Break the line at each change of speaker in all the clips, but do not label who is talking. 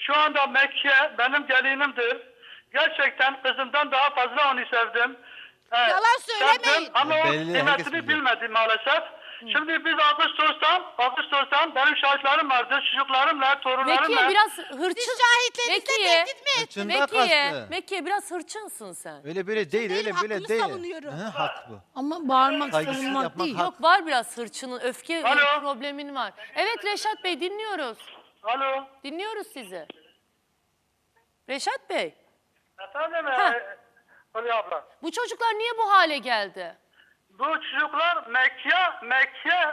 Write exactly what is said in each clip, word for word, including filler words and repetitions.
Şu anda Mekke benim gelinimdir. Gerçekten kızımdan daha fazla onu sevdim. Ee,
Yalan söylemeyin.
sevdim Ama o
Belli, herkes
kıymetini
biliyor.
bilmedi maalesef. Şimdi biz Ağustos'tan, Ağustos'tan benim şahitlerim vardı. Çocuklarımla, torunlarımla.
Mekiye biraz hırçın.
Siz şahitlerinizle
Mekiye,
tehdit mi ettiniz?
Hırçında
Mekiye,
kastı.
Mekiye biraz hırçınsın sen.
Öyle böyle değil,
değilim,
öyle böyle
hakkımı
değil.
savunuyorum.
Hı, hak bu.
Ama bağırmak,
Saygısızlık
savunmak
yapmak
değil.
hak.
Yok, var biraz hırçının, öfke
Alo.
problemin var. Evet Reşat Bey, dinliyoruz.
Alo.
Dinliyoruz sizi. Reşat Bey,
Efendim,
Ha.
e, Hülya abla.
bu çocuklar niye bu hale geldi?
Bu çocuklar Mekke, Mekke,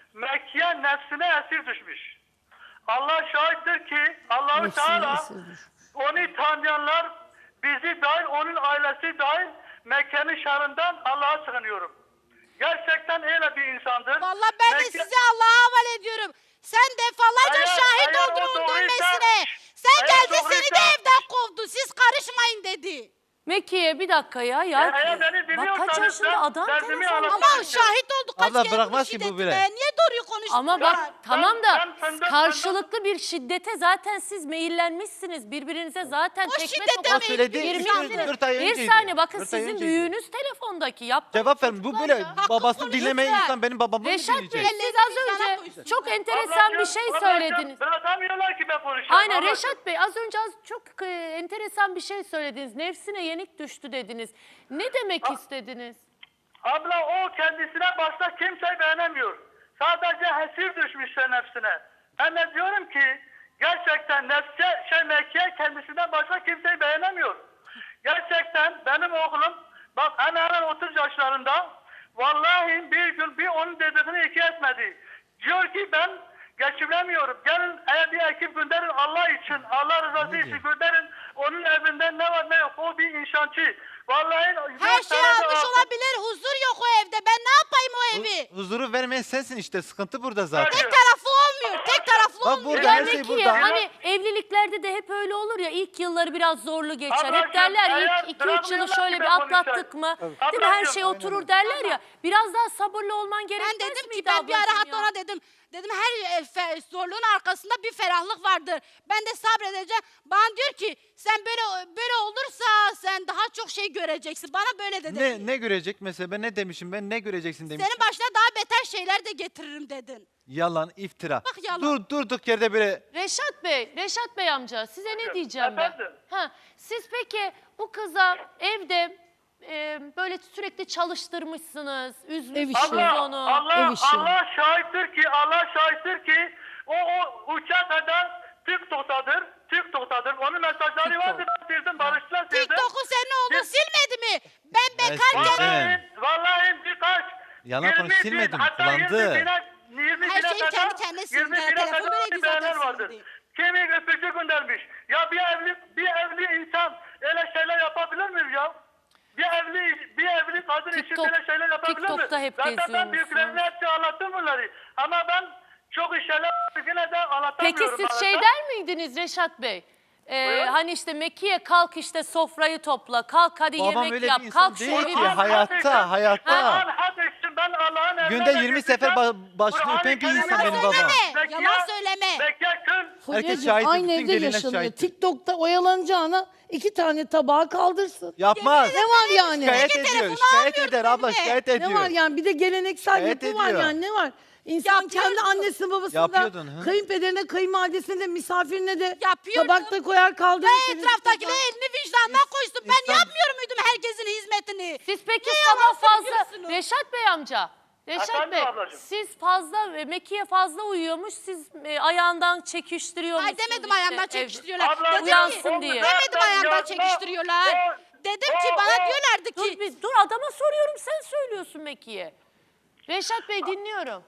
Mekke nefsine esir düşmüş. Allah şahittir ki Allah-u
Nefsine
Teala
esir düşmüş.
onu tanıyanlar bizi dahil, onun ailesi dahil Mekke'nin şerrinden Allah'a sığınıyorum. Gerçekten öyle bir insandır.
Vallahi ben de
Mekke-
size Allah'a havale ediyorum. Sen defalarca
Eğer-
şahit
eğer o
oldun onun
doğruysa-
dönmesine. Sen
eğer
geldi seni de
doğruysa-
evden kovdu. Siz karışmayın dedi.
Mekiye bir dakika ya. ya.
E, eğer beni
Bak kaç
dinliyorsanız
yaşında
ben
adam
derdimi
telefon.
anlatmak
Ama
istiyorum.
şahit olduk kaç
Abla
kere
bırakmaz
bu
ki bu
şiddetine.
bile.
Niye doğruyu konuştun?
Ama
Ya,
bak
ben-
tamam da
ben fındık-
karşılıklı bir şiddete zaten siz meyillenmişsiniz. Birbirinize zaten
O
tekme
şiddete
tokat
O söyledi,
girmişsiniz.
dört- dört ay
Bir
önceydi.
saniye bakın
Dört ay
sizin
önceydi.
büyüğünüz telefondaki yaptığınız
Cevap verin. Bu
çocuklar
böyle
ya.
Hakkı
babasını
konuş
dinlemeyen
lütfen.
insan benim babamı mı
Reşat Bey
dinleyecek?
siz az
Ellerini
önce
vicdana
çok enteresan bir şey söylediniz.
Bırakamıyorlar ki ben konuşayım.
Aynen
Ablacığım.
Reşat Bey az önce az çok e, enteresan bir şey söylediniz. Nefsine yenik düştü dediniz. Ne demek istediniz?
Abla o kendisine başta kimseyi beğenemiyor. Sadece hesir düşmüşse nefsine. Ben de diyorum ki gerçekten nefse şey Mekke kendisinden başka kimseyi beğenemiyor. Gerçekten benim oğlum bak hemen hemen otuz yaşlarında vallahi bir gün bir onun dediğini iki etmedi. Diyor ki ben geçiremiyorum. Gelin eğer bir ekip gönderin Allah için, Allah rızası için gönderin. Onun evinde ne var ne yok. O bir inşaatçı. Vallahi
Her
dört
şey
tane de
almış
altın-
olabilir. Huzur yok o evde. Ben ne yapayım o evi?
Hu- Huzuru vermeyen sensin işte. Sıkıntı burada zaten.
Tek taraflı olmuyor. Tek taraflı
Bak
olmuyor.
burada
Ya
her şey
Mekiye
burada.
hani evliliklerde de hep öyle olur ya ilk yılları biraz zorlu geçer. Hep
Ablacığım,
derler
eğer
ilk iki üç yılı
bırakmıyorlar
şöyle
ki
bir
ben
atlattık
konuşayım.
mı? Değil mi her şey
Ablacığım,
oturur derler ya. Biraz daha sabırlı olman
Ben
gerekmez
dedim ki
miydi
ben bir ara
ablacığım
hatta
ya?
ona dedim. Dedim her e, fe- zorluğun arkasında bir ferahlık vardır. Ben de sabredeceğim. Bana diyor ki sen böyle böyle olursa sen daha çok şey göreceksin. Bana böyle dedi.
Ne ne görecek mesela? Ben ne demişim? Ben ne göreceksin demişim.
Senin başına daha beter şeyler de getiririm dedin.
Yalan, iftira.
Bak yalan.
Dur durduk yerde böyle
Reşat Bey, Reşat Bey amca size ne diyeceğim ben?
Efendim?
Ha, siz peki bu kıza evde e, böyle sürekli çalıştırmışsınız, üzmüşsünüz
Allah,
onu.
Allah,
Ev işi.
Allah şahittir ki, Allah şahittir ki o, o uçak kadar TikTok'tadır, TikTok'tadır. Onun mesajları
TikTok.
vardı, ben sildim, barıştılar sildim.
TikTok'u senin oğlun
Biz-
silmedi mi? Ben bekarken
sildim.
Vallahi, vallahi birkaç.
Yalan
yirmi
konuş,
bin,
silmedim,
hatta
kullandı.
yirmi bine, yirmi
Her
bine
şeyi
kadar-
kendi kendine sildi.
yirmi bine
Telefon
kadar
böyleydi
beğeniler
zaten
vardır.
sildi.
Kimi öpücü göndermiş. Ya bir evli, bir evli insan öyle şeyler yapabilir mi ya? Bir evli, bir evli kadın için
TikTok-
böyle şeyler yapabilir mi?
TikTok'ta hep
Zaten ben
geziyormuşsun.
büyüklerine hepsi anlattım bunları. Ama ben çok şeyler yine de anlatamıyorum.
Peki siz
maalesef.
şey der miydiniz Reşat Bey? Ee,
Buyurun.
hani işte Mekiye kalk işte sofrayı topla, kalk hadi
babam
yemek
öyle
yap,
bir insan
kalk
değil
şöyle
ki.
bir...
Kur'an
Hayatta,
hadisi-
hayatta.
Kur'an hadisi, ben Allah'ın emrine
Günde yirmi
götüreceğim.
sefer ba- başını
Kur'an-ı
öpen bir
Kerim'e
insan benim
Yalan
babam.
söyleme.
Mekke-
Yalan söyleme.
Mekke kıl.
Herkes
Fulya'cığım
şahit,
aynı
bütün
evde
gelinler
yaşanıyor.
şahit.
TikTok'ta oyalanacağına iki tane tabağı kaldırsın.
Yapmaz.
Ne var yani?
Şikayet
Peki
ediyor.
telefonu
Şikayet
almıyorum
eder abla,
benimle.
şikayet ediyor.
Ne var yani? Bir de geleneksel
Şikayet
yapı var
ediyor.
yani. Ne var? İnsan
Yapıyordun.
kendi annesine babasına,
Yapıyordun, hı.
kayınpederine, kayınvalidesine de, misafirine de
Yapıyordum.
tabakta koyar kaldırır.
Ve etraftakiler elini vicdanına koysun. Ben
insan-
yapmıyorum muydum herkesin hizmetini?
Siz peki
Ne
sabah
yalan
fazla...
söylüyorsunuz?
Reşat Bey amca, Reşat
Efendim
Bey
ablacığım?
siz fazla, e, Mekiye fazla uyuyormuş, siz e, ayağından çekiştiriyormuşsunuz.
Ay demedim
işte
ayağımdan
ev-
çekiştiriyorlar.
Abla,
Dedim ki,
uyansın diye.
demedim ayağımdan
Yapma.
çekiştiriyorlar.
O-
Dedim
o-
ki bana
o-
diyorlardı
Dur,
ki
biz, dur adama soruyorum, sen söylüyorsun Mekiye. Reşat Bey dinliyorum.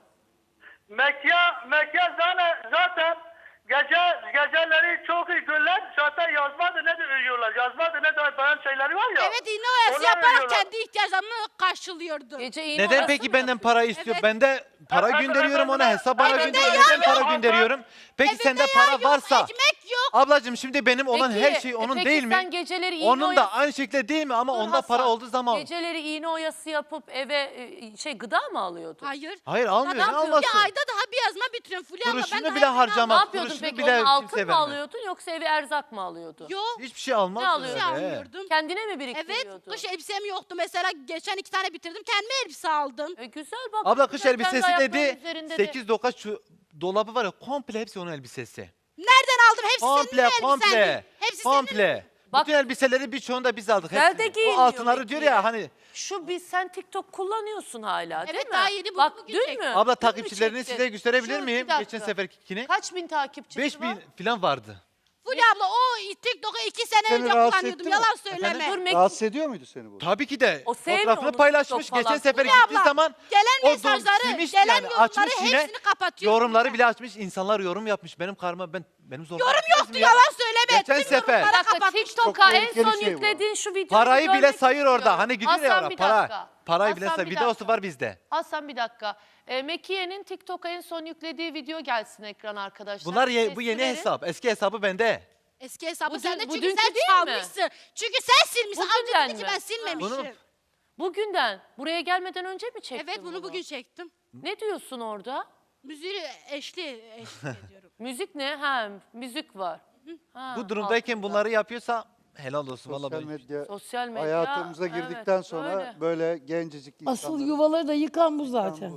Mekke, Mekke zaten, zaten gece, geceleri çok iyi günler zaten yazmadı ne de uyuyorlar. Yazmadı ne de bayan şeyleri var ya.
evet iğne oyası
onlar
yaparak
uyuyorlar.
kendi ihtiyaçlarını karşılıyordu.
Gece iğne
Neden
arası
peki
mı
benden para istiyor?
Evet.
Ben de para
Efendim,
gönderiyorum ona,
efendim,
hesap bana
efendim,
gönderiyor.
efendim,
Neden para
efendim.
gönderiyorum? Peki
Evinde
sende
yağ
para
yok,
varsa,
ekmek yok.
Ablacığım şimdi benim olan
Peki,
her şey
e
onun
peki
değil mi?
sen geceleri iğne
Onun da
oyası-
aynı şekilde değil mi? Ama
Dur
onda para
Hasan,
olduğu zaman.
Geceleri iğne oyası yapıp eve e, şey gıda mı alıyordun?
Hayır.
Hayır almıyor.
ne
Ne
yapıyorsun?
alması?
Bir ayda daha bir yazma bitiriyorum Fulya abla. Ben
Kuruşunu
daha
bile
evden
harcamaz.
Ne yapıyordun
kuruşunu
peki?
bile
Onun altın
kimseye
mı
vermez.
alıyordun yoksa eve erzak mı alıyordun?
Yok.
Hiçbir şey almaz.
Ne alıyorsun?
Bir şey
öyle.
almıyordum.
Kendine mi
Evet,
biriktiriyordun?
kış elbisem yoktu. Mesela geçen iki tane bitirdim. Kendime elbise aldım.
E, güzel bak.
Abla kış
kendi
elbisesi
ayaklarının
dedi.
üzerinde de-
sekiz dokuz şu dolabı var ya komple hepsi onun elbisesi.
Nereden aldım? Hepsi
Komple
senin mi
komple.
elbisendi? Hepsi senin mi?
Komple.
Bak-
Bütün elbiseleri birçoğunu da biz aldık.
Güzel
hepsini.
de
O
giyiniyor
altınları diyor
Mekiye.
ya hani.
Şu biz sen TikTok kullanıyorsun hala değil
Evet,
mi?
daha yeni bunu
Bak
bugün
dün
çektim.
mü?
Abla
Dün mü
takipçilerini
çektin?
size gösterebilir
Şu, bir
miyim?
dakika.
Geçen seferkini.
Kaç bin takipçisi
beş
var?
bin falan vardı.
Fulya abla o TikTok'u iki sene
Seni
önce
rahatsız
kullanıyordum.
etti mi?
Yalan
Efendim?
söyleme.
Dur Meki-
Rahatsız ediyor muydu seni bu?
Tabii ki de.
O sevmiyor
Fotoğrafını
onu
paylaşmış.
TikTok
Geçen
falan.
sefer
Fulya
gittiği
abla,
zaman
gelen
o dom
mesajları,
silmiş
gelen
yani
yorumları
açmış yine.
hepsini kapatıyor.
Yorumları bile açmış. İnsanlar yorum yapmış. Benim karma ben benim zoruma
Yorum
gitmez
yoktu
mi ya?
yalan söyleme.
Geçen
Tüm
sefer.
yorumları
Bir dakika
kapatmış.
TikTok'a
Çok
en
tehlikeli
son
şey bu.
yüklediğin şu videoyu
Parayı bile
görmek
sayıyor orada.
istiyorum.
Hani gidiyor ya
Hasan,
orada.
bir
Para.
dakika.
Parayı bile
Hasan,
sayıyor.
bir
Videosu
dakika.
var bizde.
Hasan bir dakika. E, Mekiye'nin TikTok'a en son yüklediği video gelsin ekran arkadaşlar.
Bunlar ye-
Ses
bu yeni
verin.
hesap. Eski hesabı bende.
Eski hesabı
Bu
sende
dün- bu
çünkü
dünkü
sen
değil mi?
çalmışsın. Çünkü sen silmişsin.
Bugünden
Amca dedi ki
mi?
ben silmemişim.
Bunu-
Bugünden. Buraya gelmeden önce mi çektin
Evet bunu bugün çektim.
Ne diyorsun orada?
Müziği eşli, eşlik ediyorum.
Müzik ne? Ha müzik var. Ha,
Bu durumdayken
altında.
bunları yapıyorsa helal olsun. Vallahi
Sosyal
ben-
medya
Sosyal medya.
hayatımıza
evet,
girdikten sonra
öyle.
böyle gencecik insanlar.
Asıl yuvaları da yıkan bu zaten.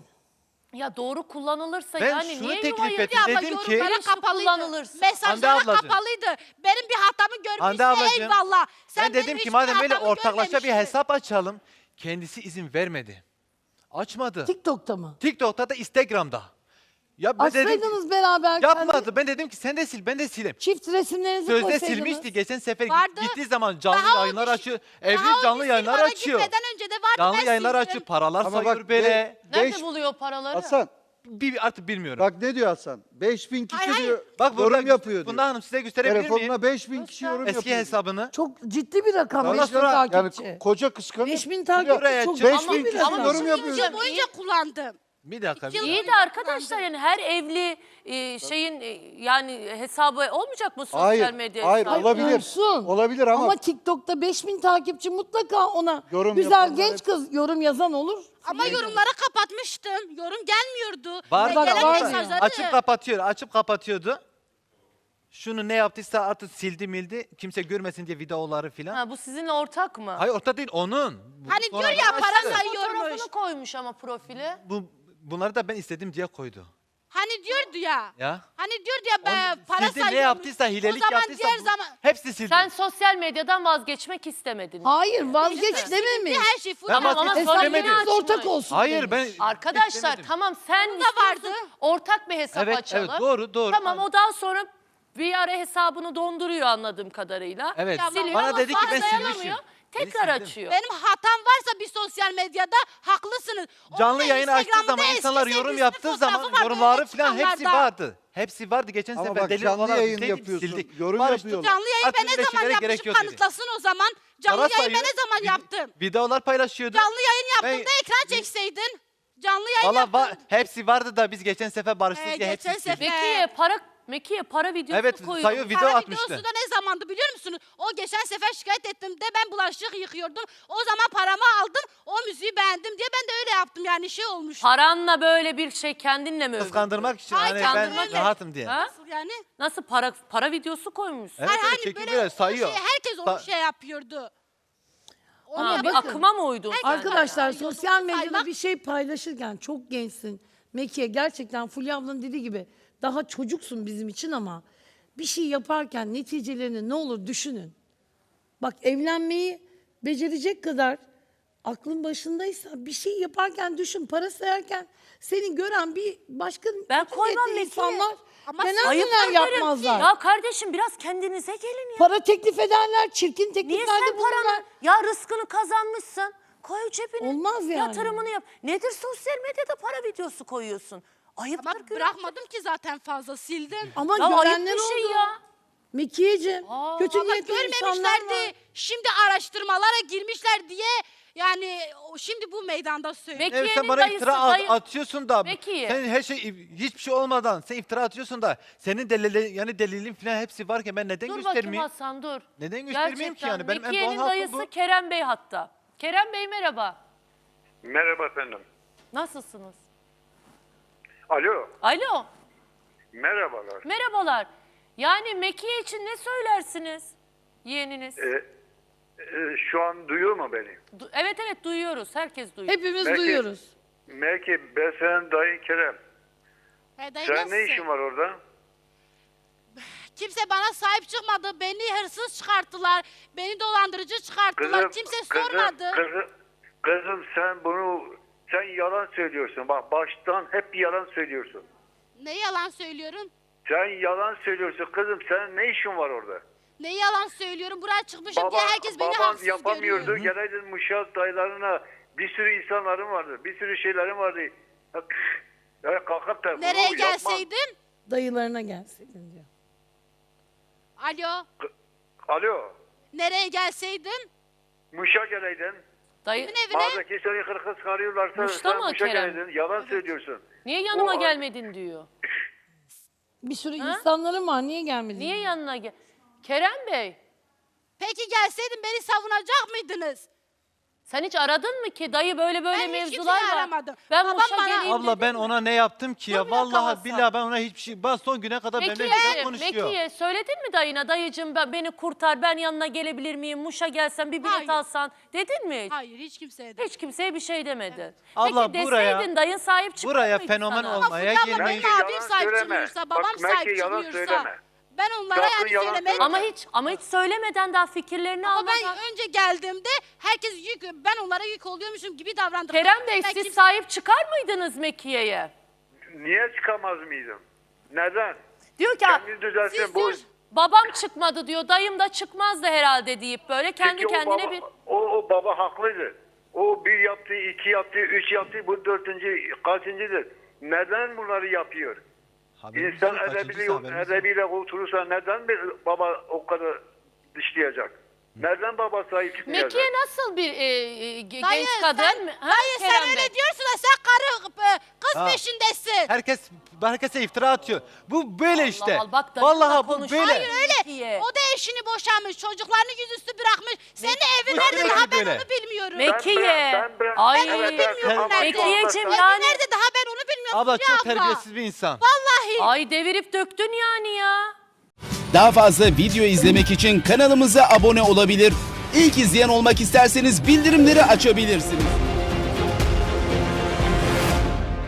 Ya doğru kullanılırsa
Ben
yani
şunu
niye
teklif
yuvayı
ettim.
Fulya abla
Dedim ki-
yorumlara
Bilinçli
kapalıydı.
kullanılırsa.
Mesajlara
Hande ablacığım.
kapalıydı. Benim bir hatamı görmüşse
Hande ablacığım,
eyvallah. Sen
ben
benim
dedim ki
hiçbir
madem öyle
hatamı
ortaklaşa bir
görmemişsin.
hesap açalım. Kendisi izin vermedi. Açmadı.
TikTok'ta mı?
TikTok'ta da Instagram'da. Ya ben dedim ki,
Açsaydınız beraber kendi
yapmadı. Ben dedim ki sen de sil ben de sileyim.
çift resimlerinizi
Sözde
koysaydınız.
silmişti. Geçen sefer
Vardı.
gittiği zaman canlı
Daha o
yayınlar
bir-
açıyor.
Daha
Evli
o
canlı
bir
yayınlar
silmana
açıyor.
Gitmeden önce de vardı
Canlı
ben
yayınlar
sildim.
açıyor. Paralar
Ama
sayıyor
bak,
böyle.
be-
Nerede
Beş-
buluyor paraları?
Hasan
Bir artık bilmiyorum.
bak ne diyor Hasan? beş bin kişi
Hayır, hayır.
diyor
Bak burada
yorum yapıyor diyor.
Bunda hanım size gösterebilir miyim?
Telefonuna beş bin kişi yorum
Eski
yapıyor.
hesabını.
Çok ciddi bir rakam.
Ondan
beş bin
sonra
Yani
takipçi.
ko- koca kıskanıyor.
beş bin
Buraya
takipçi çok
çık-
beş
ciddi
bin
bir
kişi
rakam.
yorum
İki
yapıyor.
yıl boyunca kullandım.
Bir dakika.
İki yıl
bir
İyi
dakika.
de arkadaşlar yani her evli e, şeyin e, yani hesabı olmayacak mı sosyal
Hayır,
medya
hayır
hesabı?
olabilir.
Olsun.
Olabilir ama,
Ama TikTok'ta beş bin takipçi mutlaka ona
Yorum
güzel
yapanlar
genç
hep-
kız yorum yazan olur.
Ama yorumları kapatmıştım. Yorum gelmiyordu.
Var
Ve
Bak,
gelen
var.
mesajları.
Açıp kapatıyor. Açıp kapatıyordu. Şunu ne yaptıysa artık sildi mildi. Kimse görmesin diye videoları filan.
Ha, bu sizinle ortak mı?
Hayır orta değil onun. Bu
Hani diyor
sonradan
ya, para
açtı.
say- sayıyormuş.
Fotoğrafını koymuş ama profile.
Bu, bunları da ben istedim diye koydu.
Hani diyordu ya.
Ya.
Hani diyordu ya ben
Onu
para
sildi,
sayıyormuş.
ne yaptıysa hilelik
O zaman
yaptıysa
diğer
bu-
zaman
hepsi sildi.
Sen sosyal medyadan vazgeçmek istemedin.
Hayır vazgeç dememiş.
her şey full.
Ama
Tamam ama
Hesap
sonra
demedim.
yine
Hesabınız
açmış.
ortak olsun
Hayır ben
demiş.
Arkadaşlar
istemedim.
tamam sen
da
istiyorsun,
vardı.
ortak bir hesap
Evet,
açalım.
evet, doğru, doğru.
Tamam o daha sonra bir ara hesabını donduruyor anladığım kadarıyla.
Evet.
Siliyor
Bana
ama
dedi ki
sonra
ben
dayanamıyor,
silmişim.
tekrar
Beni sildim.
açıyor.
Benim hatam varsa bir sosyal medyada haklısınız. Onun
Canlı
da
yayını açtığı
Instagram'da
zaman
eski
insanlar yorum
sevgilisinin
yaptığı
fotoğrafı
zaman
vardı,
yorumları
öyle
falan hepsi
çıkanlarda.
vardı. Hepsi vardı. Geçen
Ama
sefer
bak,
deli
canlı
olarak
yayın
bizdeydik,
yapıyorsun,
sildik.
yorum
Barıştık.
yapıyorlar.
Canlı yayın ben
Artık
ne zaman
birleşmelere gerek
yapmışım
yok dedi.
kanıtlasın o zaman. Canlı
Para
yayın ben
sayıyor,
ne zaman
vid-
yaptım?
Videolar paylaşıyordu.
Canlı yayın yaptım
Ben-
da ekran çekseydin. Canlı yayın
Valla
yaptım.
va- hepsi vardı da biz geçen sefer barıştık
Ee,
diye hepsi
geçen
sildik.
sefer-
Mekiye para Mekiye para videosu
Evet,
koyuyor.
sayıyor, video
Para
atmıştı.
videosu da ne zamandı biliyor musunuz? O geçen sefer şikayet ettim de ben bulaşık yıkıyordum. O zaman paramı aldım. O müziği beğendim diye ben de öyle yaptım yani şey olmuş.
Paranla böyle bir şey kendinle mi övündün?
Kıskandırmak için
Hayır,
hani ben
kandırmak değil.
rahatım diye.
Ha?
Nasıl yani?
Nasıl para para videosu koymuşsun?
Evet,
Hayır,
evet,
hani
çekiyor
böyle
böyle
o
sayıyor.
Şey, herkes onu
Sa-
şey yapıyordu. Onu
Ha, bir
yapıyor.
akıma mı uydun sen?
Arkadaşlar
Yani.
sosyal
Saymak-
medyada bir şey paylaşırken çok gençsin. Mekiye gerçekten Fulya ablanın dediği gibi daha çocuksun bizim için ama bir şey yaparken neticelerini ne olur düşünün. Bak evlenmeyi becerecek kadar aklın başındaysa bir şey yaparken düşün. Para sayarken seni gören bir başka
Ben koymam
niyetli
Mekiye.
insanlar
Ama
neler
Ayıp
neler
ederim.
yapmazlar.
Ya kardeşim biraz kendinize gelin ya.
Para teklif ederler, çirkin
Niye
tekliflerde
sen
bulunurlar.
paranı ya rızkını kazanmışsın? Koy cebine.
Olmaz yani.
Yatırımını yap. Nedir sosyal medyada para videosu koyuyorsun? Ayıptır
Ama
günah.
bırakmadım ki zaten fazla sildim.
Ama
Ya ayıp
görenler
bir şey
oldu.
ya.
Mekiyeciğim,
Aa,
kötü
Valla
niyetli insanlar var.
görmemişlerdi. Şimdi araştırmalara girmişler diye Yani o- şimdi bu meydanda söylüyorum.
Peki.
Evet, sen
Mekiye'nin
bana
dayısı,
iftira at-
dayı-
atıyorsun da
Mekiye.
sen her şey hiçbir şey olmadan sen iftira atıyorsun da senin delili yani delilin falan hepsi varken ben neden
Dur bakayım
göstermeyeyim?
Hasan dur.
Neden göstermeyeyim ki
Gerçekten.
yani? Benim en doğal
Mekiye'nin
hakkım
dayısı
bu.
Kerem Bey hatta. Kerem Bey merhaba.
Merhaba efendim.
Nasılsınız?
Alo,
Alo.
merhabalar.
Merhabalar. Yani Mekiye için ne söylersiniz yeğeniniz?
Ee, e, şu an duyuyor mu beni?
Du- evet evet duyuyoruz. Herkes duyuyor.
Hepimiz
Belki-
duyuyoruz.
Belki ben senin dayın Kerem.
Hey dayı,
Sen ne
nasılsın?
işin var orada?
Kimse bana sahip çıkmadı. Beni hırsız çıkarttılar. Beni dolandırıcı çıkarttılar. Kimse sormadı.
Kızım, kızım sen bunu, sen yalan söylüyorsun. Bak baştan hep yalan söylüyorsun.
Ne yalan söylüyorum?
Sen yalan söylüyorsun kızım. Sen ne işin var orada?
Ne yalan söylüyorum? Buraya çıkmışım
Baba,
diye herkes beni
baban
haksız
yapamıyordu.
görüyor.
Geleydin Muşak dayılarına, bir sürü insanların vardı. Bir sürü şeylerin vardı. Ya kalkıp da bunu
Nereye
yapma.
gelseydim?
Dayılarına gelseydin diyor.
Alo.
Alo.
Nereye gelseydim?
Muş'a geleydin.
Dayı,
Kimin evine?
Mağdaki seni kırkız karıyorlarsa
Muş'ta
sen
mı
Muş'a
Kerem?
geleydin. Yalan söylüyorsun.
niye yanıma
O-
gelmedin diyor.
Bir sürü
Ha?
insanların var. Niye gelmedin?
Niye yanına gel? Kerem Bey,
Peki gelseydim beni savunacak mıydınız?
sen hiç aradın mı ki dayı böyle böyle
Ben hiç
mevzular
kimseyi
var.
aramadım.
Ben
Babam
Muş'a
bana-
geleyim
Abla ben
dedim mi?
ona ne yaptım ki ya?
Dur bir dakika
Vallahi
Hasan.
billahi ben ona hiçbir şey... Ben son güne kadar benimle
Mekiye,
güzel konuşuyor.
Mekiye söyledin mi dayına? Dayıcığım ben, beni kurtar, ben yanına gelebilir miyim? Muş'a gelsen bir bilet
Hayır.
alsan. Dedin mi hiç?
Hayır, hiç kimseye de.
Hiç kimseye bir şey demedin.
Abla,
Peki
buraya-
deseydin dayın sahip çıkar
buraya
mıydı
fenomen
sana?
olma. Olmaya
Fulya abla
girmeyin.
benim
Belki
abim
yalan
sahip
söyleme.
çıkmıyorsa,
Bak,
babam
belki
sahip
yalan
çıkmıyorsa.
söyleme.
Ben onlara
Sakın
yani
yalan
söylemek...
söyleme.
Ama hiç ama hiç söylemeden daha fikirlerini
Ama ben
almadan.
önce geldiğimde herkes yük, ben onlara yük oluyormuşum gibi davrandım.
Kerem Bey
Ben
siz
kim-
sahip çıkar mıydınız Mekiye'ye?
Niye çıkamaz mıydım? Neden?
Diyor ki
Kendini düzelsin.
siz
Bu,
diyor-
babam çıkmadı diyor, dayım da çıkmazdı herhalde deyip böyle kendi
Çünkü o
kendine
baba,
bir...
O, o baba haklıydı. O bir yaptı, iki yaptı, üç yaptı, bu dörtüncü, kaçıncıdır? Neden bunları yapıyor?
Haberimiz
İnsan
yok, kaçıncısı
edebiyle,
haberimiz yok.
edebiyle oturursa neden bir baba o kadar dışlayacak? Neden baba sahip çıkmayacak?
Mekiye nasıl bir e, e, ge-
Dayı,
genç kadın?
sen,
mı? Ha,
dayı sen
Kerem
öyle
Bey?
diyorsun da sen karı e, kız
Ha.
peşindesin.
Herkes herkese iftira atıyor. Bu böyle
Allah
işte.
Allah, bak dayı da
Vallahi bu
konuşuyor.
böyle.
Hayır öyle.
Mekiye.
O da eşini boşanmış, çocuklarını yüzüstü bırakmış. Senin evin
Bu
nerede
demek
daha
ki
ben
böyle.
onu bilmiyorum.
Meki- Mekiye.
Ben, ben, ben,
Ay.
evet, evet,
Bilmiyorum
ama
nerede.
şu anda
Mekiyeciğim
sen-
ya.
Evin nerede daha ben onu bilmiyorum.
Abla
Fulya
çok
abla.
terbiyesiz bir insan.
Vallahi.
Ay devirip döktün yani ya.
Daha fazla video izlemek için kanalımıza abone olabilir. İlk izleyen olmak isterseniz bildirimleri açabilirsiniz.